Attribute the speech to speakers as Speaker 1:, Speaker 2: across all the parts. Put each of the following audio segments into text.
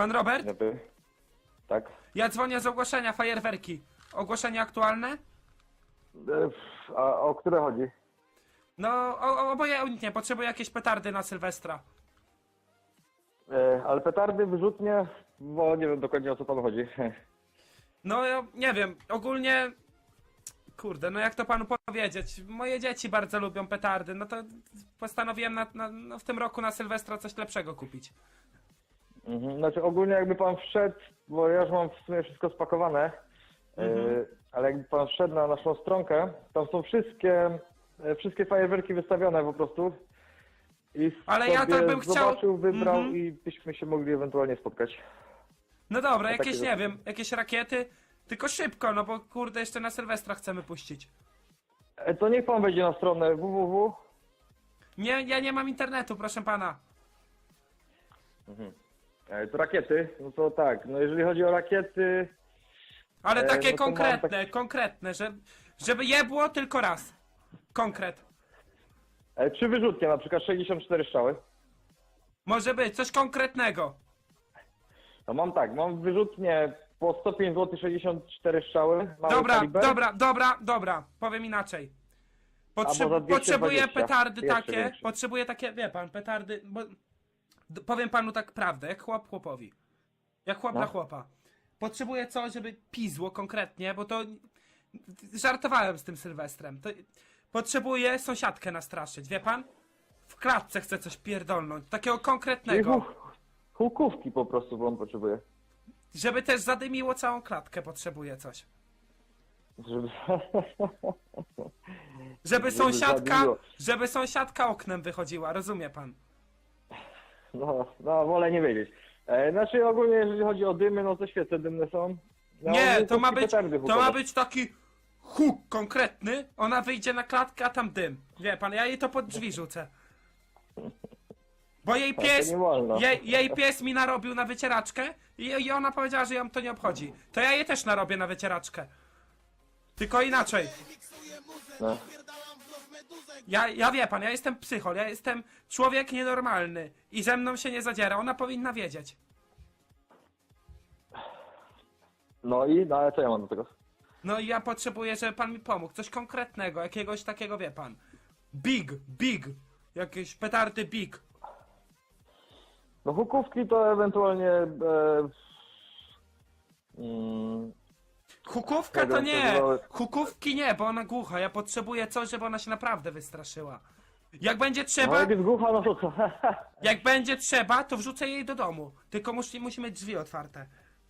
Speaker 1: Pan Robert?
Speaker 2: Dobry. Tak.
Speaker 1: Ja dzwonię z ogłoszenia, fajerwerki. Ogłoszenie aktualne?
Speaker 2: A o które chodzi?
Speaker 1: No, obojętnie, potrzebuję jakieś petardy na Sylwestra.
Speaker 2: Ale petardy, wyrzutnie, bo nie wiem dokładnie o co panu chodzi.
Speaker 1: No, ja nie wiem, ogólnie... Kurde, no jak to panu powiedzieć? Moje dzieci bardzo lubią petardy, no to postanowiłem no w tym roku na Sylwestra coś lepszego kupić.
Speaker 2: Znaczy ogólnie jakby pan wszedł, bo ja już mam w sumie wszystko spakowane, ale jakby pan wszedł na naszą stronkę, tam są wszystkie fajerwerki wystawione po prostu. I
Speaker 1: Ale ja
Speaker 2: sobie
Speaker 1: tak bym chciał...
Speaker 2: zobaczył, wybrał i byśmy się mogli ewentualnie spotkać.
Speaker 1: No dobra,
Speaker 2: No
Speaker 1: jakieś,
Speaker 2: takie
Speaker 1: nie wiem, jakieś rakiety, tylko szybko, no bo kurde, jeszcze na Sylwestra chcemy puścić.
Speaker 2: To niech pan wejdzie na stronę www.
Speaker 1: Nie, ja nie mam internetu, proszę pana.
Speaker 2: To rakiety, no to tak, no jeżeli chodzi o rakiety,
Speaker 1: Ale takie
Speaker 2: no to mam
Speaker 1: konkretne, konkretne, żeby je było tylko raz. Konkret.
Speaker 2: 3 wyrzutnie, na przykład 64 strzały.
Speaker 1: Może być, coś konkretnego.
Speaker 2: No mam wyrzutnie po 105 zł 64 strzały. Mały
Speaker 1: Dobra,
Speaker 2: kaliber.
Speaker 1: dobra, powiem inaczej.
Speaker 2: Albo za 220,
Speaker 1: Potrzebuję petardy
Speaker 2: jeszcze
Speaker 1: takie,
Speaker 2: większe.
Speaker 1: potrzebuję takie, wie pan, petardy, bo... Powiem panu tak prawdę, jak chłop chłopowi. Jak chłop
Speaker 2: No.
Speaker 1: dla chłopa. Potrzebuję coś, żeby pizło konkretnie, bo to... Żartowałem z tym Sylwestrem. Potrzebuję sąsiadkę nastraszyć, wie pan? W klatce chcę coś pierdolnąć, takiego
Speaker 2: Czyli
Speaker 1: konkretnego.
Speaker 2: hukówki po prostu, bo on potrzebuje.
Speaker 1: Żeby też zadymiło całą klatkę, potrzebuję coś.
Speaker 2: Żeby... zabiło.
Speaker 1: Żeby sąsiadka oknem wychodziła, rozumie pan?
Speaker 2: No, wolę nie wiedzieć. Znaczy ogólnie jeżeli chodzi o dymy, no to świece dymne są. No,
Speaker 1: Nie, to
Speaker 2: hukówki, petardy
Speaker 1: to ma
Speaker 2: hukowe.
Speaker 1: być taki huk konkretny, ona wyjdzie na klatkę, a tam dym. Wie pan, ja jej to pod drzwi rzucę. Bo jej
Speaker 2: to
Speaker 1: pies,
Speaker 2: nie wolno.
Speaker 1: jej pies mi narobił na wycieraczkę i ona powiedziała, że ją to nie obchodzi. To ja jej też narobię na wycieraczkę. Tylko inaczej.
Speaker 2: No.
Speaker 1: Ja wie pan, ja jestem psychol, ja jestem człowiek nienormalny i ze mną się nie zadziera, ona powinna wiedzieć.
Speaker 2: No ale co ja mam do tego?
Speaker 1: No i ja potrzebuję, żeby pan mi pomógł, coś konkretnego, jakiegoś takiego, wie pan. Big, jakieś petardy big.
Speaker 2: No hukówki to ewentualnie...
Speaker 1: Hukówka to
Speaker 2: Tego,
Speaker 1: nie,
Speaker 2: to-
Speaker 1: hukówki nie, bo ona głucha, ja potrzebuję coś, żeby ona się naprawdę wystraszyła. Jak będzie
Speaker 2: No
Speaker 1: trzeba,
Speaker 2: jak jest głucha, no to co?
Speaker 1: jak będzie trzeba, to wrzucę jej do domu. Tylko musi mieć drzwi otwarte.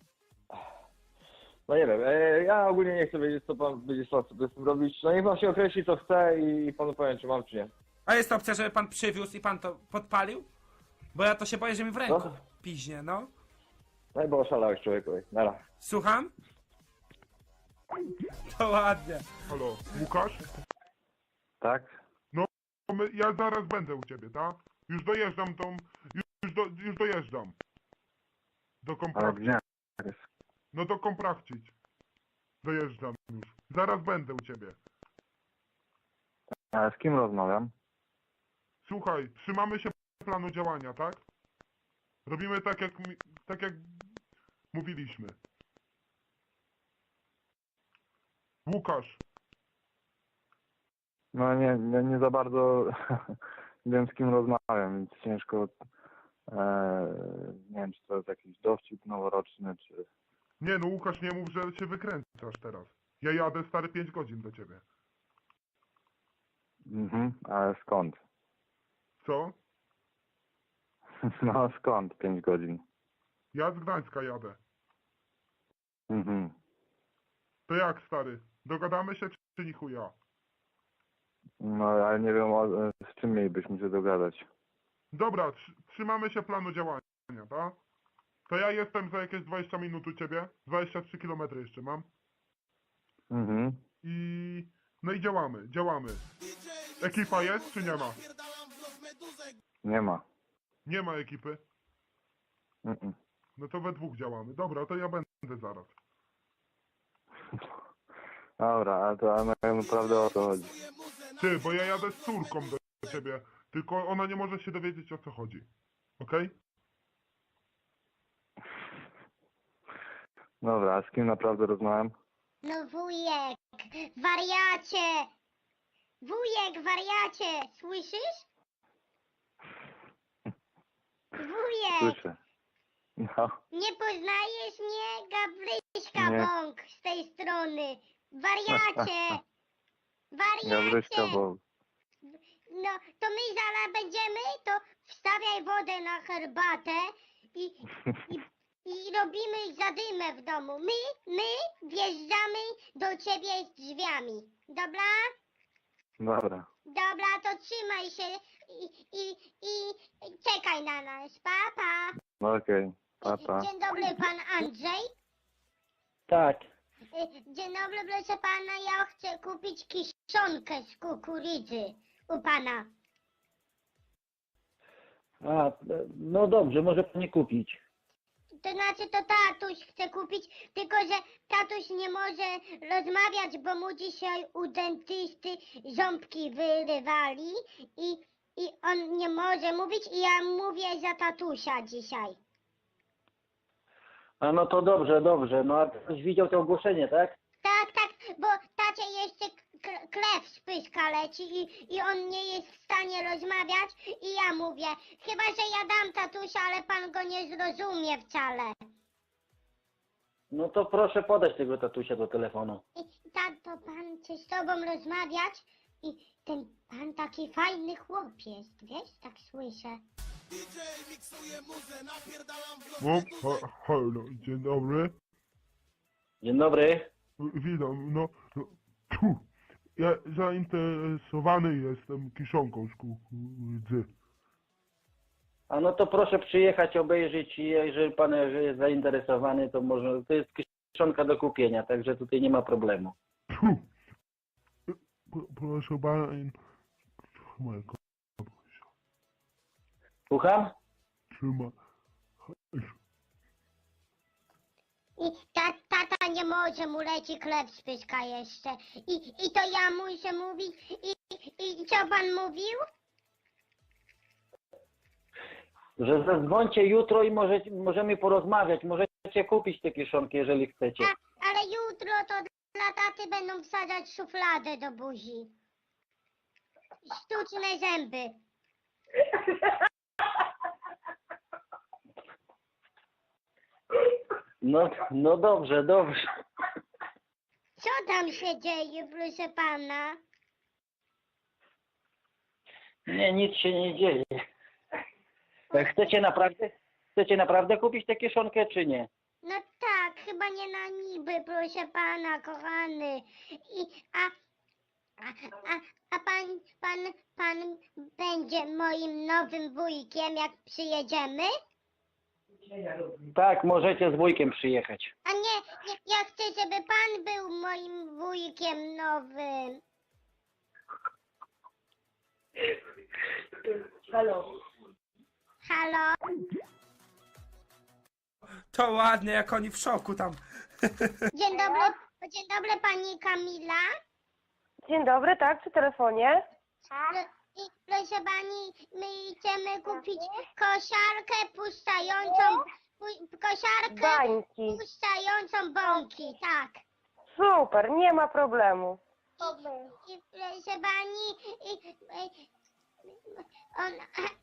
Speaker 2: No nie wiem, ja ogólnie nie chcę wiedzieć, co pan będzie chciał sobie z tym robić. No niech pan się określi, co chce i panu powiem, czy mam, czy nie.
Speaker 1: A jest opcja, żeby pan przywiózł i pan to podpalił? Bo ja to się boję, że mi w ręku
Speaker 2: No.
Speaker 1: piźnie, no.
Speaker 2: No i bo oszalałeś człowieku. Nara.
Speaker 1: Słucham? To ładnie.
Speaker 3: Halo, Łukasz?
Speaker 2: Tak?
Speaker 3: Ja zaraz będę u ciebie, tak? Już dojeżdżam już dojeżdżam. Do Komprakcic.
Speaker 2: jest?
Speaker 3: No do Komprakcic. Dojeżdżam już. Zaraz będę u ciebie.
Speaker 2: A z kim rozmawiam?
Speaker 3: Słuchaj, trzymamy się planu działania, tak? Robimy tak jak mówiliśmy. Łukasz,
Speaker 4: No nie za bardzo wiem z kim rozmawiam, więc ciężko, nie wiem czy to jest jakiś dowcip noworoczny, czy...
Speaker 3: nie no Łukasz, nie mów, że się wykręcasz teraz. Ja jadę stary 5 godzin do ciebie.
Speaker 4: Ale skąd?
Speaker 3: Co?
Speaker 4: No skąd 5 godzin?
Speaker 3: Ja z Gdańska jadę.
Speaker 4: Mhm.
Speaker 3: To jak stary? Dogadamy się czy ni chuja?
Speaker 4: No ale nie wiem z czym mielibyśmy się dogadać.
Speaker 3: Dobra, trzymamy się planu działania, tak? To ja jestem za jakieś 20 minut u ciebie. 23 km jeszcze mam. No i działamy. Ekipa jest czy nie ma?
Speaker 4: Nie ma.
Speaker 3: Nie ma ekipy. No to we dwóch działamy. Dobra, to ja będę zaraz.
Speaker 4: Dobra, ale to naprawdę o to chodzi.
Speaker 3: Ty, bo ja jadę z córką do ciebie. Tylko ona nie może się dowiedzieć o co chodzi. Okej?
Speaker 4: Dobra, a z kim naprawdę rozmawiam?
Speaker 5: No wujek, wariacie! Wujek, wariacie! Słyszysz? Wujek!
Speaker 4: Słyszę. No,
Speaker 5: Nie poznajesz mnie? Gabryśka
Speaker 4: Nie.
Speaker 5: Bąk z tej strony. Wariacie!
Speaker 4: Gabryśka,
Speaker 5: Wariacie!
Speaker 4: bo...
Speaker 5: No, to my zaraz będziemy, to wstawiaj wodę na herbatę i, i robimy zadymę w domu. My wjeżdżamy do ciebie z drzwiami. Dobra?
Speaker 4: Dobra.
Speaker 5: Dobra, to trzymaj się i czekaj na nas. Pa, pa.
Speaker 4: No okej. Pa, pa.
Speaker 5: Dzień dobry, pan Andrzej.
Speaker 6: Tak.
Speaker 5: Dzień dobry, proszę pana, ja chcę kupić kiszonkę z kukurydzy u pana.
Speaker 6: A, no dobrze, może pani kupić.
Speaker 5: To znaczy to tatuś chce kupić, tylko że tatuś nie może rozmawiać, bo mu dzisiaj u dentysty ząbki wyrywali i on nie może mówić i ja mówię za tatusia dzisiaj.
Speaker 6: A no to dobrze, dobrze. No a ktoś widział to ogłoszenie, tak?
Speaker 5: Tak, bo tacie jeszcze krew z pyska leci i on nie jest w stanie rozmawiać i ja mówię, chyba że ja dam tatusia, ale pan go nie zrozumie wcale.
Speaker 6: No to proszę podać tego tatusia do telefonu.
Speaker 5: I tato, pan chce z tobą rozmawiać i ten pan taki fajny chłop jest, wiesz, tak słyszę.
Speaker 3: No, halo, dzień dobry.
Speaker 6: Dzień dobry.
Speaker 3: Witam, no, ja zainteresowany jestem kiszonką z kukurydzy.
Speaker 6: A no to proszę przyjechać, obejrzeć i jeżeli pan jest zainteresowany, to może, to jest kieszonka do kupienia, także tutaj nie ma problemu.
Speaker 3: Proszę pana, mojego
Speaker 6: Słucham?
Speaker 3: trzyma.
Speaker 5: I tata nie może, mu leci krew z pyska jeszcze. I to ja muszę mówić. I co pan mówił?
Speaker 6: Że zadzwońcie jutro i możemy porozmawiać, możecie kupić te kieszonki, jeżeli chcecie.
Speaker 5: Ale jutro to dla taty będą wsadzać szufladę do buzi. Sztuczne zęby.
Speaker 6: No dobrze, dobrze.
Speaker 5: Co tam się dzieje, proszę pana?
Speaker 6: Nie, nic się nie dzieje. Chcecie naprawdę kupić tę kieszonkę, czy nie?
Speaker 5: No tak, chyba nie na niby, proszę pana, kochany. A pan będzie moim nowym wujkiem, jak przyjedziemy?
Speaker 6: Tak, możecie z wujkiem przyjechać.
Speaker 5: A nie, ja chcę, żeby pan był moim wujkiem nowym. Halo?
Speaker 1: To ładnie, jak oni w szoku tam.
Speaker 5: Dzień dobry pani Kamila.
Speaker 7: Dzień dobry, tak, przy telefonie.
Speaker 5: Proszę pani, my chcemy kupić kosiarkę puszczającą,
Speaker 7: Bańki.
Speaker 5: puszczającą bąki, tak.
Speaker 7: Super, nie ma problemu.
Speaker 5: I proszę pani, on,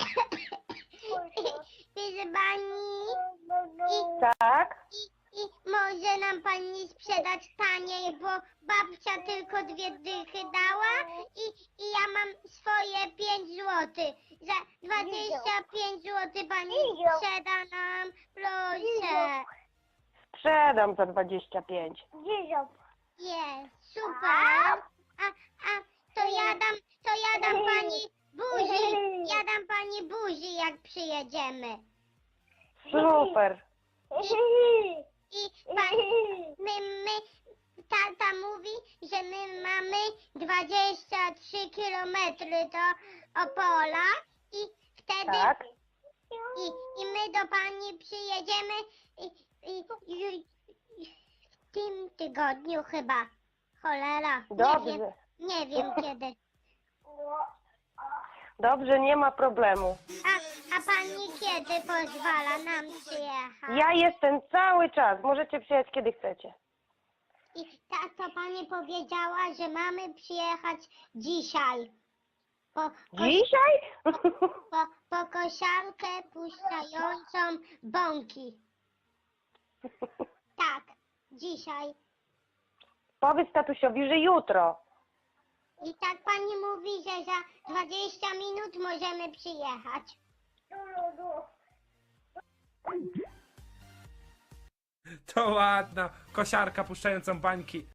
Speaker 5: proszę pani,
Speaker 7: Tak?
Speaker 5: i może nam pani sprzedać taniej, bo babcia tylko 2 dychy dała i ja mam swoje 5 złotych. Za 25 złotych pani sprzeda nam, proszę.
Speaker 7: Sprzedam za 25.
Speaker 5: Jest, super. A to ja dam pani buzi, ja dam pani buzi, jak przyjedziemy.
Speaker 7: Super.
Speaker 5: I tata mówi, że my mamy 23 kilometry do Opola i wtedy
Speaker 7: Tak?
Speaker 5: i my do pani przyjedziemy w tym tygodniu chyba. Cholera,
Speaker 7: Dobrze.
Speaker 5: nie wiem kiedy.
Speaker 7: Dobrze, nie ma problemu.
Speaker 5: A pani kiedy pozwala nam przyjechać?
Speaker 7: Ja jestem cały czas. Możecie przyjechać kiedy chcecie.
Speaker 5: I to pani powiedziała, że mamy przyjechać dzisiaj.
Speaker 7: Dzisiaj?
Speaker 5: Po kosiarkę puszczającą bąki. Tak, dzisiaj.
Speaker 7: Powiedz tatusiowi, że jutro.
Speaker 5: I tak pani mówi, że za 20 minut możemy przyjechać.
Speaker 1: To ładna kosiarka puszczającą bańki.